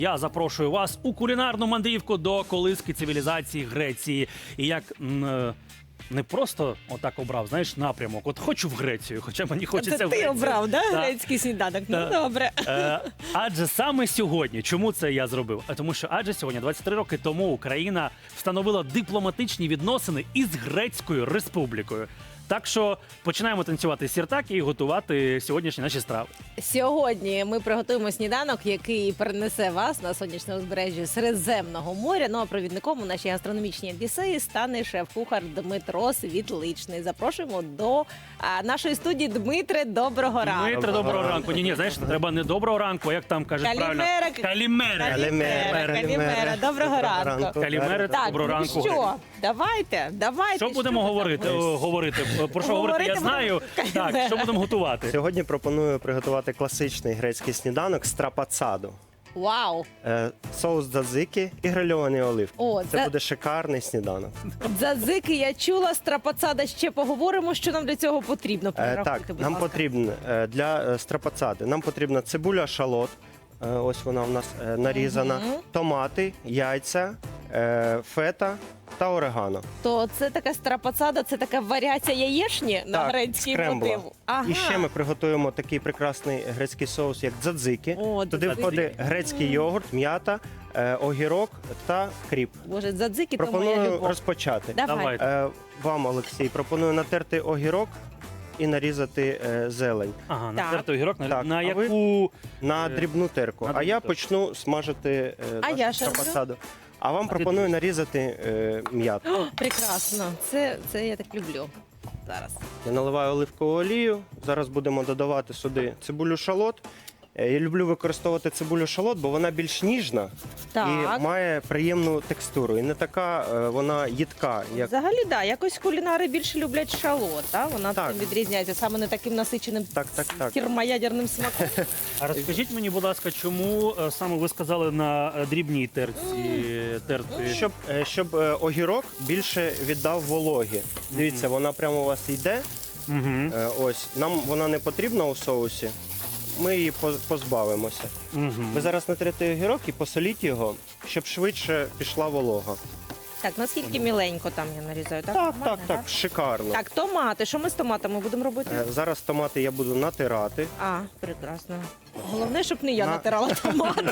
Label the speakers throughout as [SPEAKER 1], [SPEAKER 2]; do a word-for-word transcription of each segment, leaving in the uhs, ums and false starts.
[SPEAKER 1] Я запрошую вас у кулінарну мандрівку до колиски цивілізації Греції. І як м, е, не просто отак обрав, знаєш, напрямок. От хочу в Грецію, хоча мені хочеться
[SPEAKER 2] Це
[SPEAKER 1] в
[SPEAKER 2] ти
[SPEAKER 1] Грецію.
[SPEAKER 2] обрав, да,
[SPEAKER 1] Так.
[SPEAKER 2] грецький сніданок? Ну,
[SPEAKER 1] Так.
[SPEAKER 2] добре.
[SPEAKER 1] Е, адже саме сьогодні, чому це я зробив? А Тому що адже сьогодні, двадцять три роки тому, Україна встановила дипломатичні відносини із Грецькою Республікою. Так що починаємо танцювати сіртаки і готувати сьогоднішні наші страви.
[SPEAKER 2] Сьогодні ми приготуємо сніданок, який перенесе вас на сонячне узбережжя Середземного моря. Ну а провідником у нашій гастрономічній одіссеї стане шеф-кухар Дмитро Світличний. Запрошуємо до а, нашої студії. Дмитре, доброго ранку.
[SPEAKER 1] Дмитре, доброго ранку. Ні, ні, знаєш, треба не доброго ранку, а як там кажуть правильно?
[SPEAKER 2] Калімера.
[SPEAKER 1] Калімера.
[SPEAKER 2] Калімера. Калімера. Доброго ранку.
[SPEAKER 1] Калімера,
[SPEAKER 2] Так,
[SPEAKER 1] доброго
[SPEAKER 2] ну
[SPEAKER 1] ранку.
[SPEAKER 2] що, давайте, давайте.
[SPEAKER 1] Що будемо
[SPEAKER 2] ви
[SPEAKER 1] говорити?
[SPEAKER 2] там?
[SPEAKER 1] О, говорити? Про що говорити, я
[SPEAKER 2] Говорити
[SPEAKER 1] знаю.
[SPEAKER 2] будемо.
[SPEAKER 1] Так, що будемо готувати?
[SPEAKER 3] Сьогодні пропоную приготувати класичний грецький сніданок страпацаду.
[SPEAKER 2] Вау.
[SPEAKER 3] Е, Соус дзадзики і грильовані оливки.
[SPEAKER 2] О,
[SPEAKER 3] Це
[SPEAKER 2] це-
[SPEAKER 3] буде шикарний сніданок.
[SPEAKER 2] Дзадзики я чула, страпацада ще поговоримо, що нам для цього потрібно.
[SPEAKER 3] Е,
[SPEAKER 2] Перерахуйте,
[SPEAKER 3] Так,
[SPEAKER 2] будь
[SPEAKER 3] нам
[SPEAKER 2] ласка.
[SPEAKER 3] потрібно е, для е, страпацади. Нам потрібна цибуля шалот. Е, Ось вона в нас е, нарізана.
[SPEAKER 2] Мгм.
[SPEAKER 3] Томати, яйця, е, фета та орегано.
[SPEAKER 2] То це така страпацада, це така варіація яєшні на
[SPEAKER 3] Так,
[SPEAKER 2] грецький
[SPEAKER 3] скрембла.
[SPEAKER 2] мотив. Ага.
[SPEAKER 3] І ще ми приготуємо такий прекрасний грецький соус, як дзадзики.
[SPEAKER 2] О,
[SPEAKER 3] Туди
[SPEAKER 2] дзадзики.
[SPEAKER 3] входить грецький йогурт, м'ята, е, огірок та кріп.
[SPEAKER 2] Боже, дзадзики, то моя
[SPEAKER 3] Пропоную
[SPEAKER 2] любов.
[SPEAKER 3] розпочати.
[SPEAKER 2] Давай.
[SPEAKER 1] Давайте.
[SPEAKER 3] Е, Вам, Олексій, пропоную натерти огірок і нарізати е, зелень
[SPEAKER 1] Ага,
[SPEAKER 2] Так.
[SPEAKER 1] натертий огірок. На,
[SPEAKER 3] Так,
[SPEAKER 1] на
[SPEAKER 3] а ви-
[SPEAKER 1] яку...
[SPEAKER 3] на
[SPEAKER 1] Е,
[SPEAKER 3] дрібну терку.
[SPEAKER 1] на
[SPEAKER 3] А
[SPEAKER 1] дрібну
[SPEAKER 3] я
[SPEAKER 1] терку.
[SPEAKER 3] почну смажити е,
[SPEAKER 2] А
[SPEAKER 3] нашу
[SPEAKER 2] я що роблю?
[SPEAKER 3] страпацаду. А вам
[SPEAKER 1] А ти
[SPEAKER 3] пропоную
[SPEAKER 1] дивись.
[SPEAKER 3] нарізати е, м'яту.
[SPEAKER 2] О, прекрасно. Це, це я так люблю. Зараз.
[SPEAKER 3] Я наливаю оливкову олію. Зараз будемо додавати сюди цибулю шалот. Е, Я люблю використовувати цибулю шалот, бо вона більш ніжна
[SPEAKER 2] Так.
[SPEAKER 3] і має приємну текстуру. І не така е, вона їдка, як
[SPEAKER 2] Взагалі, да, якось кулінари більше люблять шалот, а? Вона
[SPEAKER 3] Так.
[SPEAKER 2] цим відрізняється, саме не таким насиченим
[SPEAKER 3] Так, так, так.
[SPEAKER 2] термоядерним смаком.
[SPEAKER 1] А розкажіть мені, будь ласка, чому е, саме ви сказали на е, дрібній терці терти?
[SPEAKER 3] Щоб, е, щоб е, огірок більше віддав вологі. Дивіться, вона прямо у вас йде.
[SPEAKER 1] Угу.
[SPEAKER 3] Е, Ось нам вона не потрібна у соусі. Ми її поз- позбавимося.
[SPEAKER 1] Угу.
[SPEAKER 3] Ви зараз натрете огірок і посоліть його, щоб швидше пішла волога.
[SPEAKER 2] Так, наскільки міленько там я нарізаю, так?
[SPEAKER 3] Так,
[SPEAKER 2] Нормально,
[SPEAKER 3] так, так, шикарно.
[SPEAKER 2] Так, томати. Що ми з томатами будемо робити?
[SPEAKER 3] Е, Зараз томати я буду натирати.
[SPEAKER 2] А, прекрасно. Головне, щоб не я
[SPEAKER 3] На-
[SPEAKER 2] натирала томати.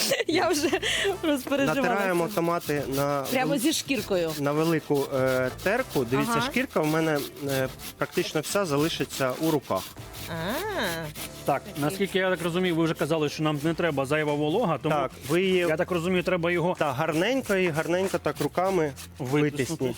[SPEAKER 2] Я вже розпереживала.
[SPEAKER 3] Натираємо томати на,
[SPEAKER 2] Прямо зі шкіркою.
[SPEAKER 3] на велику е, терку. Дивіться,
[SPEAKER 2] Ага.
[SPEAKER 3] шкірка в мене е, практично вся залишиться у руках.
[SPEAKER 2] А,
[SPEAKER 1] Так, наскільки я так розумію, ви вже казали, що нам не треба зайва волога, тому
[SPEAKER 3] Так, ви її
[SPEAKER 1] я так розумію, треба його
[SPEAKER 3] так, гарненько і гарненько так руками
[SPEAKER 1] витиснути.
[SPEAKER 3] витисніть.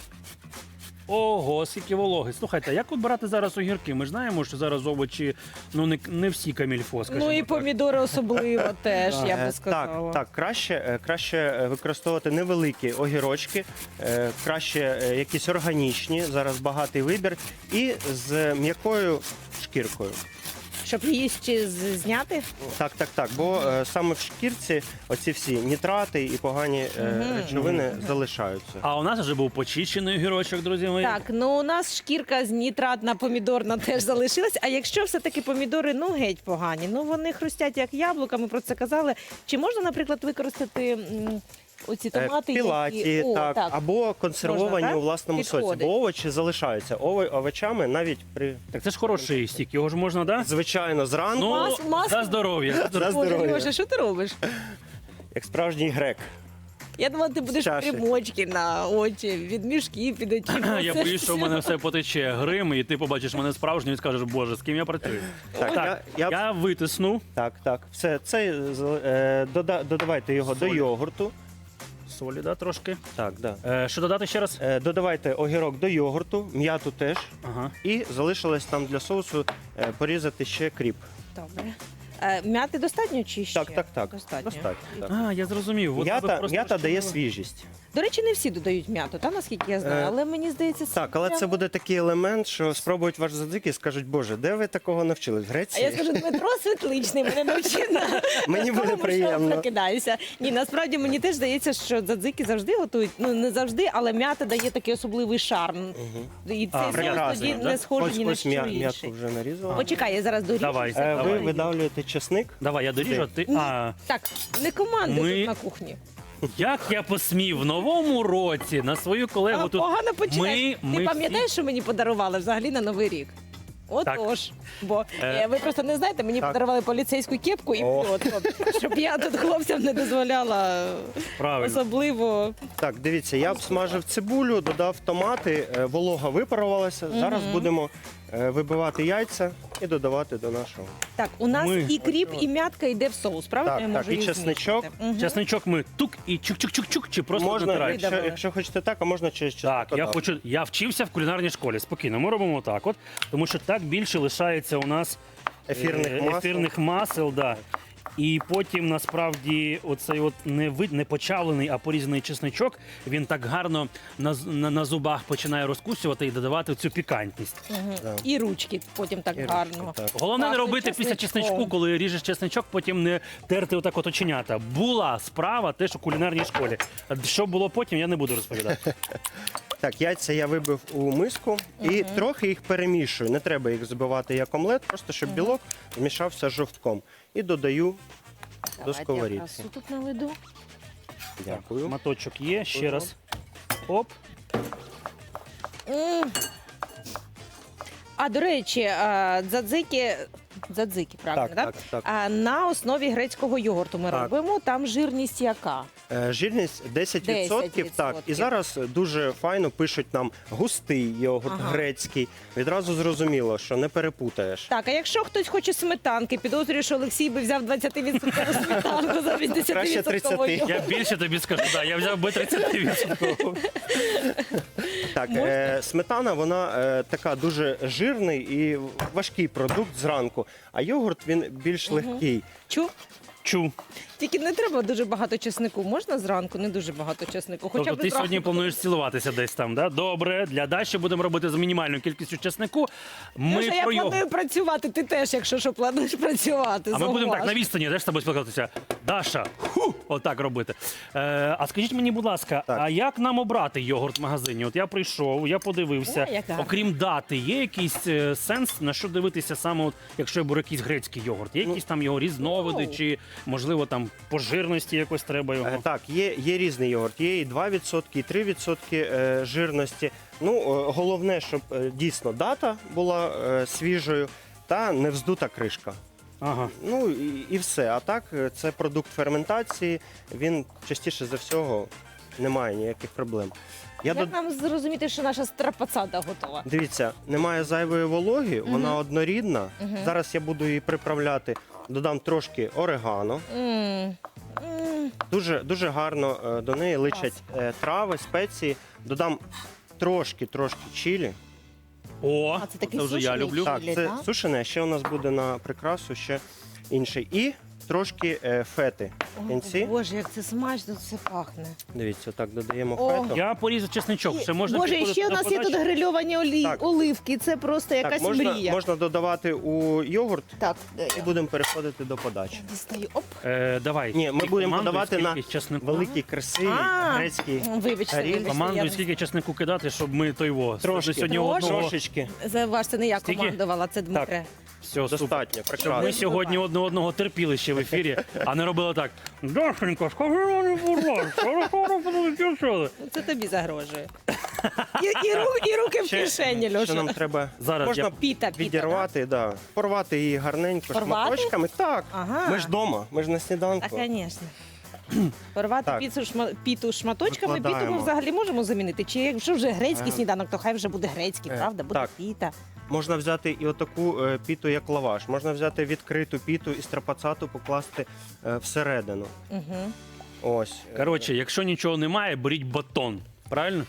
[SPEAKER 1] Ого, скільки вологи. Слухайте, як от брати зараз огірки? Ми ж знаємо, що зараз овочі, ну не, не всі камільфо, скажімо
[SPEAKER 2] ну і
[SPEAKER 1] так.
[SPEAKER 2] помідори особливо теж, я
[SPEAKER 3] Е,
[SPEAKER 2] би сказала.
[SPEAKER 3] Так, так, краще, е, краще е, використовувати невеликі огірочки, е, краще е, якісь органічні, зараз багатий вибір, і з м'якою шкіркою.
[SPEAKER 2] Щоб її ще з- зняти.
[SPEAKER 3] Так, так, так. Бо е, саме в шкірці оці всі нітрати і погані е,
[SPEAKER 2] Мгм.
[SPEAKER 3] речовини залишаються.
[SPEAKER 1] А у нас вже був почищений огірочок, друзі мої.
[SPEAKER 2] Так, ну у нас шкірка з нітратна помідорна теж залишилась. А якщо все-таки помідори ну геть погані, ну вони хрустять як яблука, ми про це казали. Чи можна, наприклад, використати м, оці
[SPEAKER 3] Е,
[SPEAKER 2] томати,
[SPEAKER 3] Пілаті,
[SPEAKER 2] які... О,
[SPEAKER 3] так, або консервовані
[SPEAKER 2] Можна, так?
[SPEAKER 3] у власному соці,
[SPEAKER 2] Підходить.
[SPEAKER 3] бо овочі залишаються. Ово- овочами навіть при
[SPEAKER 1] Так це ж хороший стік, його ж можна, да?
[SPEAKER 3] звичайно зранку,
[SPEAKER 1] Ну,
[SPEAKER 2] Мас- мас-
[SPEAKER 1] за здоров'я.
[SPEAKER 3] За
[SPEAKER 2] Боже,
[SPEAKER 3] здоров'я.
[SPEAKER 2] Льоша, що ти робиш?
[SPEAKER 3] як справжній грек.
[SPEAKER 2] Я думала, ти будеш
[SPEAKER 3] чаші.
[SPEAKER 2] примочки на очі, від мішків під очима.
[SPEAKER 1] Я
[SPEAKER 2] Це
[SPEAKER 1] боюсь, що в мене все потече грим, і ти побачиш мене справжнім і скажеш, боже, з ким я працюю.
[SPEAKER 3] Так,
[SPEAKER 1] Так,
[SPEAKER 3] я-
[SPEAKER 1] я,
[SPEAKER 3] я-
[SPEAKER 1] витисну.
[SPEAKER 3] Так, так. Все, це е, дода- додавайте його
[SPEAKER 1] Солі.
[SPEAKER 3] до йогурту.
[SPEAKER 1] Солі, да, трошки.
[SPEAKER 3] Так, да.
[SPEAKER 1] Е, що додати ще раз?
[SPEAKER 3] Е, додавайте огірок до йогурту, м'яту теж.
[SPEAKER 1] Ага.
[SPEAKER 3] І залишилось там для соусу е, порізати ще кріп.
[SPEAKER 2] Добре. Е, М'яти достатньо чи ще?
[SPEAKER 3] Так, так, так.
[SPEAKER 2] Достатньо.
[SPEAKER 3] так.
[SPEAKER 1] А, я зрозумів. От ви
[SPEAKER 3] М'ята,
[SPEAKER 1] просто
[SPEAKER 3] м'ята дає
[SPEAKER 1] що-
[SPEAKER 3] свіжість.
[SPEAKER 2] До речі, не всі додають м'яту, та наскільки я знаю,
[SPEAKER 3] Е,
[SPEAKER 2] але мені здається,
[SPEAKER 3] Так, але
[SPEAKER 2] прям-
[SPEAKER 3] це буде такий елемент, що спробують ваш задзик і скажуть, боже, де ви такого навчились? В
[SPEAKER 2] А
[SPEAKER 3] Греції?
[SPEAKER 2] я скажу, Дмитро Світличний мене навчив на
[SPEAKER 3] Мені буде
[SPEAKER 2] тому, що
[SPEAKER 3] приємно.
[SPEAKER 2] прокидаюся. Ні, насправді мені теж здається, що дзадзики завжди готують. Ну не завжди, але м'ята дає такий особливий шарм. І
[SPEAKER 1] А,
[SPEAKER 2] цей соус
[SPEAKER 1] прекрасно,
[SPEAKER 2] тоді
[SPEAKER 1] да?
[SPEAKER 2] не схожий
[SPEAKER 3] Ось,
[SPEAKER 2] ні на
[SPEAKER 3] ось
[SPEAKER 2] що
[SPEAKER 3] м'я-
[SPEAKER 2] інше.
[SPEAKER 3] м'ятку вже нарізала.
[SPEAKER 2] Почекай, я зараз доріжу.
[SPEAKER 1] Давай.
[SPEAKER 2] все
[SPEAKER 3] Е, Ви
[SPEAKER 2] правильно.
[SPEAKER 3] видавлюєте чесник.
[SPEAKER 1] Давай, я доріжу, а ти.
[SPEAKER 2] Ні.
[SPEAKER 1] А,
[SPEAKER 2] Так, не команди
[SPEAKER 1] Ми-
[SPEAKER 2] тут на кухні.
[SPEAKER 1] як я посмів в новому році на свою колегу
[SPEAKER 2] А,
[SPEAKER 1] тут.
[SPEAKER 2] погано починаєш.
[SPEAKER 1] ми
[SPEAKER 2] Ти
[SPEAKER 1] всі-
[SPEAKER 2] пам'ятаєш, що мені подарували взагалі на Новий рік? Отож. Бо
[SPEAKER 1] Е.
[SPEAKER 2] е, ви просто не знаєте, мені
[SPEAKER 3] Так.
[SPEAKER 2] подарували поліцейську кепку і
[SPEAKER 3] О.
[SPEAKER 2] пльотку, щоб я тут хлопцям не дозволяла
[SPEAKER 1] Правильно.
[SPEAKER 2] особливо.
[SPEAKER 3] Так, дивіться, я обсмажив цибулю, додав томати, е, волога випарувалася. Зараз будемо е, вибивати яйця і додавати до нашого.
[SPEAKER 2] Так, у нас
[SPEAKER 1] Ми-
[SPEAKER 2] і кріп, і м'ятка йде в соус, правильно?
[SPEAKER 3] Так,
[SPEAKER 2] я
[SPEAKER 3] так,
[SPEAKER 2] можу
[SPEAKER 3] і
[SPEAKER 2] їх
[SPEAKER 3] чесничок.
[SPEAKER 2] змішати? Мгм.
[SPEAKER 1] Чесничок ми тук і чук-чук-чук-чук, чи просто
[SPEAKER 3] Можна,
[SPEAKER 1] натираємо?
[SPEAKER 3] якщо,
[SPEAKER 2] Видавили.
[SPEAKER 3] якщо хочете так, а можна через чеснок.
[SPEAKER 1] Так, я хочу. Я вчився в кулінарній школі. Спокійно, ми робимо так, от, тому що так більше лишається у нас
[SPEAKER 3] Ефірних
[SPEAKER 1] е,
[SPEAKER 3] масел.
[SPEAKER 1] ефірних масел, да. І потім насправді оцей от не вид, не почавлений, а порізаний чесничок, він так гарно на, з- на, на зубах починає розкусювати і додавати цю пікантність.
[SPEAKER 2] Мгм.
[SPEAKER 3] Да.
[SPEAKER 2] І ручки потім так
[SPEAKER 3] І
[SPEAKER 2] гарно.
[SPEAKER 3] ручки, так.
[SPEAKER 1] Головне не
[SPEAKER 2] Пахне
[SPEAKER 1] робити після
[SPEAKER 2] чесничком.
[SPEAKER 1] чесничку, коли ріжеш чесничок, потім не терти отак от оченята. Була справа теж у кулінарній школі. А що було потім, я не буду розповідати.
[SPEAKER 3] Так, яйця я вибив у миску і трохи їх перемішую. Не треба їх збивати як омлет, просто щоб білок змішався з жовтком. І додаю до
[SPEAKER 2] Давайте я
[SPEAKER 3] сковорідки.
[SPEAKER 2] красу тут наведу.
[SPEAKER 3] Дякую.
[SPEAKER 1] Маточок є, ще
[SPEAKER 3] Ага.
[SPEAKER 1] раз. Оп.
[SPEAKER 2] М. А, до речі, а, дзадзики, дзадзики, правильно,
[SPEAKER 3] Так,
[SPEAKER 2] так?
[SPEAKER 3] так, так.
[SPEAKER 2] А, на основі грецького йогурту ми
[SPEAKER 3] Так.
[SPEAKER 2] робимо. Там жирність яка?
[SPEAKER 3] Е, Жирність десять відсотків,
[SPEAKER 2] десять
[SPEAKER 3] так. І
[SPEAKER 2] відсотків.
[SPEAKER 3] зараз дуже файно пишуть нам густий йогурт
[SPEAKER 2] Ага.
[SPEAKER 3] грецький. Відразу зрозуміло, що не перепутаєш.
[SPEAKER 2] Так, а якщо хтось хоче сметанки, підозрюю, що Олексій би взяв двадцять відсотків сметанку за вісімдесят відсотків.
[SPEAKER 3] тридцять.
[SPEAKER 1] Я більше тобі скажу, да, я взяв би тридцять відсотків.
[SPEAKER 3] Так,
[SPEAKER 2] Можна?
[SPEAKER 3] е, сметана, вона е, така дуже жирний і важкий продукт зранку, а йогурт він більш легкий.
[SPEAKER 2] Чу?
[SPEAKER 1] Чу.
[SPEAKER 2] Тільки не треба дуже багато чеснику. Можна зранку? Не дуже багато чеснику. Хоча
[SPEAKER 1] Тобто
[SPEAKER 2] б
[SPEAKER 1] ти
[SPEAKER 2] зранку.
[SPEAKER 1] сьогодні плануєш цілуватися десь там, да? Добре, для Даші будемо робити з мінімальною кількістю чеснику. Ми
[SPEAKER 2] Леша, я
[SPEAKER 1] про його.
[SPEAKER 2] планую працювати, ти теж, якщо що, плануєш працювати.
[SPEAKER 1] А ми будемо так на
[SPEAKER 2] зауваж.
[SPEAKER 1] відстані, де ж з тобою спілкуватися. Даша, ху, отак робити. Е, а скажіть мені, будь ласка,
[SPEAKER 3] Так.
[SPEAKER 1] а як нам обрати йогурт в магазині? От я прийшов, я подивився.
[SPEAKER 2] О, як гарно.
[SPEAKER 1] Окрім дати, є якийсь е, сенс, на що дивитися саме, от, якщо я беру якийсь грецький йогурт? Є якісь там його різновиди,
[SPEAKER 2] Ну.
[SPEAKER 1] чи можливо там по жирності якось треба його?
[SPEAKER 3] Е, Так, є, є різний йогурт, є і два відсотки, і три відсотки е, жирності. Ну, е, головне, щоб е, дійсно дата була е, свіжою та не вздута кришка.
[SPEAKER 1] Ага.
[SPEAKER 3] Ну і, і все. А так, е, це продукт ферментації, він частіше за всього не має ніяких проблем. Я
[SPEAKER 2] Як
[SPEAKER 3] дод-
[SPEAKER 2] нам зрозуміти, що наша страпацада готова?
[SPEAKER 3] Дивіться, немає зайвої вологи, вона однорідна.
[SPEAKER 2] Мгм.
[SPEAKER 3] Зараз я буду її приправляти. Додам трошки орегано.
[SPEAKER 2] М. М.
[SPEAKER 3] Дуже, дуже гарно е, до неї личать е, трави, спеції. Додам трошки, трошки чилі.
[SPEAKER 1] О,
[SPEAKER 2] А це такий
[SPEAKER 1] це вже я
[SPEAKER 2] сушений
[SPEAKER 1] люблю.
[SPEAKER 2] чилі?
[SPEAKER 3] Так,
[SPEAKER 2] Чилі,
[SPEAKER 3] це
[SPEAKER 2] так?
[SPEAKER 3] сушене, ще у нас буде на прикрасу ще інший. І трошки е, фети в
[SPEAKER 2] О,
[SPEAKER 3] кінці.
[SPEAKER 2] Боже, як це смачно, це пахне.
[SPEAKER 3] Дивіться, так додаємо
[SPEAKER 2] О.
[SPEAKER 3] фету.
[SPEAKER 1] Я порізав чесничок. Ще можна
[SPEAKER 2] Боже, і
[SPEAKER 1] підходити
[SPEAKER 2] ще у
[SPEAKER 1] до
[SPEAKER 2] нас є
[SPEAKER 1] подачі?
[SPEAKER 2] тут грильовані олі...
[SPEAKER 3] Так.
[SPEAKER 2] оливки. Це просто якась
[SPEAKER 3] Так, можна,
[SPEAKER 2] мрія.
[SPEAKER 3] можна додавати у йогурт
[SPEAKER 2] Так, де
[SPEAKER 3] і
[SPEAKER 2] я?
[SPEAKER 3] будемо переходити до подачі.
[SPEAKER 2] Дістаю. Оп.
[SPEAKER 1] Е, давай.
[SPEAKER 3] Ні, ми
[SPEAKER 1] Ти
[SPEAKER 3] будемо
[SPEAKER 1] командуй,
[SPEAKER 3] подавати на
[SPEAKER 1] скільки чеснику.
[SPEAKER 3] великий, красивий,
[SPEAKER 2] А,
[SPEAKER 3] грецький.
[SPEAKER 2] Вибачте,
[SPEAKER 3] Аріль.
[SPEAKER 2] вибачте.
[SPEAKER 1] Командуй,
[SPEAKER 2] я-
[SPEAKER 1] скільки чеснику кидати, щоб ми той во.
[SPEAKER 3] Трошки.
[SPEAKER 1] Сьогодні
[SPEAKER 2] Трошки.
[SPEAKER 1] одного.
[SPEAKER 3] Трошечки.
[SPEAKER 2] Заваж, це не я
[SPEAKER 1] Скільки?
[SPEAKER 2] командувала, це Дмитре.
[SPEAKER 1] Все, супер.
[SPEAKER 3] Достатньо,
[SPEAKER 1] Щоб
[SPEAKER 3] прекрасно.
[SPEAKER 1] ми сьогодні одне одного терпіли ще в ефірі, а не робили так. Дашенька, скажи мені, будь ласка, що
[SPEAKER 2] Ну, це тобі загрожує. І, і, ру- і руки в кишені,
[SPEAKER 3] Що
[SPEAKER 2] Льоша.
[SPEAKER 3] нам треба?
[SPEAKER 1] Зараз
[SPEAKER 3] Можна
[SPEAKER 1] я-
[SPEAKER 2] Піта, піта,
[SPEAKER 3] відірвати, да. порвати її гарненько
[SPEAKER 2] Порвати?
[SPEAKER 3] шматочками. Так,
[SPEAKER 2] Ага.
[SPEAKER 3] ми ж вдома, ми ж на
[SPEAKER 2] Так,
[SPEAKER 3] сніданку.
[SPEAKER 2] звісно. Порвати
[SPEAKER 3] Так.
[SPEAKER 2] піцу, шма... піту шматочками, піту ми
[SPEAKER 3] Викладаємо.
[SPEAKER 2] взагалі можемо замінити. Чи якщо вже грецький
[SPEAKER 3] Е.
[SPEAKER 2] сніданок, то хай вже буде грецький,
[SPEAKER 3] Е,
[SPEAKER 2] правда? Буде
[SPEAKER 3] так.
[SPEAKER 2] піта.
[SPEAKER 3] Можна взяти і отаку е, піту, як лаваш. Можна взяти відкриту піту і страпацату покласти е, всередину.
[SPEAKER 2] Угу.
[SPEAKER 3] Ось. Е,
[SPEAKER 1] Коротше, якщо нічого немає, беріть батон. Правильно?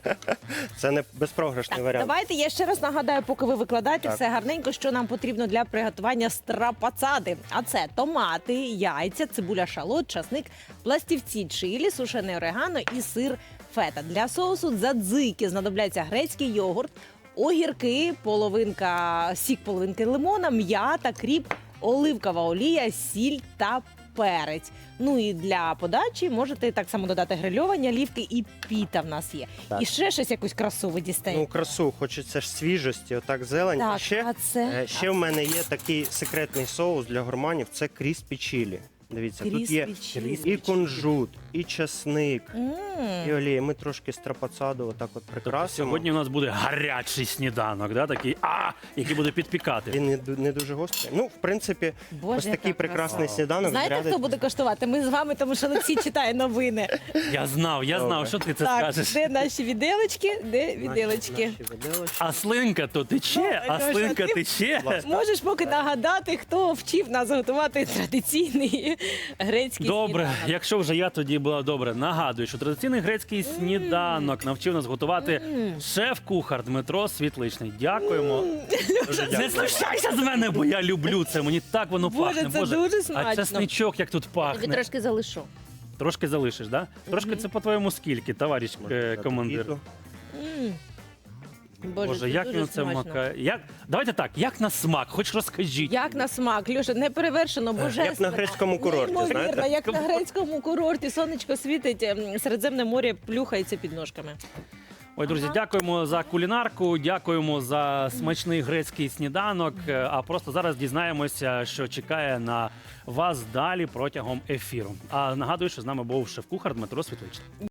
[SPEAKER 3] Це не безпрограшний
[SPEAKER 2] Так,
[SPEAKER 3] варіант.
[SPEAKER 2] давайте я ще раз нагадаю, поки ви викладаєте
[SPEAKER 3] Так.
[SPEAKER 2] все гарненько, що нам потрібно для приготування страпацади. А це томати, яйця, цибуля шалот, часник, пластівці чилі, сушене орегано і сир фета. Для соусу дзадзики знадобляться грецький йогурт, огірки, половинка, сік половинки лимона, м'ята, кріп, оливкова олія, сіль та перець. Ну і для подачі можете так само додати грильовані олівки, і піта в нас є.
[SPEAKER 3] Так.
[SPEAKER 2] І ще щось якусь красу ви дістаєте.
[SPEAKER 3] Ну, красу, хочеться ж свіжості, отак зелень.
[SPEAKER 2] Так,
[SPEAKER 3] І ще,
[SPEAKER 2] а це?
[SPEAKER 3] е, ще в мене є такий секретний соус для гурманів, це кріспі чілі. Дивіться, тут є
[SPEAKER 2] Кріспі чілі.
[SPEAKER 3] і кунжут, і часник,
[SPEAKER 2] М.
[SPEAKER 3] і олія. Ми трошки страпацаду отак от прикрасимо.
[SPEAKER 1] Сьогодні у нас буде гарячий сніданок, да, такий, а, який буде підпікати.
[SPEAKER 3] Він не, ду- не дуже гострий. Ну, в принципі,
[SPEAKER 2] Боже,
[SPEAKER 3] ось
[SPEAKER 2] яка
[SPEAKER 3] такий прекрасний
[SPEAKER 2] краса.
[SPEAKER 3] сніданок.
[SPEAKER 2] Знаєте,
[SPEAKER 3] зарядить-
[SPEAKER 2] хто буде коштувати? Ми з вами, тому що Олексій читає новини.
[SPEAKER 1] Я знав, я знав,
[SPEAKER 3] Добре.
[SPEAKER 1] що ти це
[SPEAKER 2] Так,
[SPEAKER 1] скажеш.
[SPEAKER 2] де наші віделочки? Де
[SPEAKER 3] Наші-
[SPEAKER 2] віделочки?
[SPEAKER 3] наші виделочки.
[SPEAKER 1] А слинка то тече,
[SPEAKER 2] Ну,
[SPEAKER 1] а
[SPEAKER 2] Льоша,
[SPEAKER 1] слинка
[SPEAKER 2] ти-
[SPEAKER 1] тече.
[SPEAKER 2] Можеш поки нагадати, хто вчив нас готувати традиційний грецький
[SPEAKER 1] Добре,
[SPEAKER 2] сніданок?
[SPEAKER 1] якщо вже я тоді була добре, нагадую, що традиційний грецький сніданок навчив нас готувати шеф-кухар Дмитро Світличний. Дякуємо.
[SPEAKER 3] Дуже
[SPEAKER 1] Не
[SPEAKER 3] дякую.
[SPEAKER 1] знущайся з мене, бо я люблю це. Мені так воно
[SPEAKER 2] Боже,
[SPEAKER 1] пахне.
[SPEAKER 2] це дуже
[SPEAKER 1] А
[SPEAKER 2] смачно.
[SPEAKER 1] часничок як тут
[SPEAKER 2] Тобі
[SPEAKER 1] пахне.
[SPEAKER 2] трошки залишу.
[SPEAKER 1] Трошки залишиш, да? Трошки це по-твоєму скільки, товариш
[SPEAKER 3] Можна
[SPEAKER 1] е,
[SPEAKER 3] додати
[SPEAKER 1] командир.
[SPEAKER 3] квіту.
[SPEAKER 2] М. Боже,
[SPEAKER 1] Боже,
[SPEAKER 2] це
[SPEAKER 1] як
[SPEAKER 2] дуже
[SPEAKER 1] він це
[SPEAKER 2] смачно.
[SPEAKER 1] макає? Як... Давайте так, як на смак, хоч розкажіть.
[SPEAKER 2] Як на смак, Льоша, не перевершено, божественно.
[SPEAKER 3] Як на грецькому курорті,
[SPEAKER 2] Неймовірно,
[SPEAKER 3] знаєте?
[SPEAKER 2] як на грецькому курорті, сонечко світить, ем, Середземне море плюхається під ножками.
[SPEAKER 1] Ой, друзі, дякуємо за кулінарку, дякуємо за смачний грецький сніданок. Е, А просто зараз дізнаємося, що чекає на вас далі протягом ефіру. А нагадую, що з нами був шеф-кухар Дмитро Світличний.